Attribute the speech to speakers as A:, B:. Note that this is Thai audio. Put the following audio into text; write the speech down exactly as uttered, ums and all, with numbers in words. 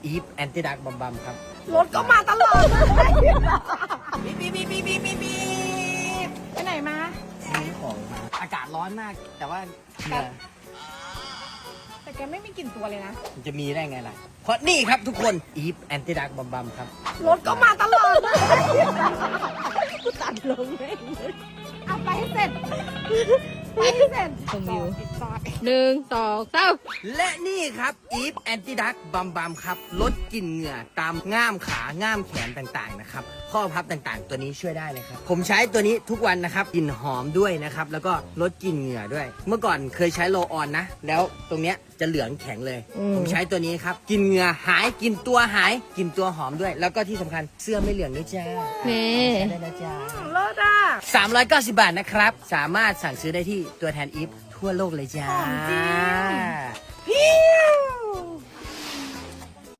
A: อีฟแอนตี้ดักบัมบัมครับ
B: รถก็มาตลอดเลย
A: บีบบีบบีบบีบบีบบีบ
B: ไปไหนมา
A: ซื้อของมาอากาศร้อนมาก แต่ว่าเหงื่อ
B: แต่แกไม่มีกลิ่นตัวเลยนะ
A: มันจะมีได้ไงล่ะ เพราะนี่ครับทุกคนอีฟแอนตี้ดักบัมบัมครับ
B: รถก็มาตลอดเลยกูตัดลงเลยเอาไปให้เสร็จไปให้เสร็จ
C: ชมวิว
B: ปิดซอย
C: หนึ่งสองสาม
A: และนี่ครับอีฟแอนตี้ดักบัมบัมครับลดกลิ่นเหงื่อตามง่ามขาง่ามแขนต่างๆนะครับข้อพับต่างๆ ตัวนี้ช่วยได้เลยครับผมใช้ตัวนี้ทุกวันนะครับกลิ่นหอมด้วยนะครับแล้วก็ลดกลิ่นเหงื่อด้วย เมื่อก่อนเคยใช้โรลออนนะแล้วตรงเนี้ยจะเหลืองแข็งเลย ผมใช้ตัวนี้ครับกลิ่นเหงื่อหายกลิ่นตัวหายกลิ่นตัวหอมด้วย แล้วก็ที่สำคัญเสื้อไม่เหลืองด้วยจ้า
C: นี่
A: ใช้ได้แล้วจ้า
B: เลิศอ่ะ
A: สามร้อยเก้าสิบบาทนะครับ สามารถสั่งซื้อได้ที่ตัวแทนอีฟทั่วโลกเลยจ้า
B: หอมจริง พี่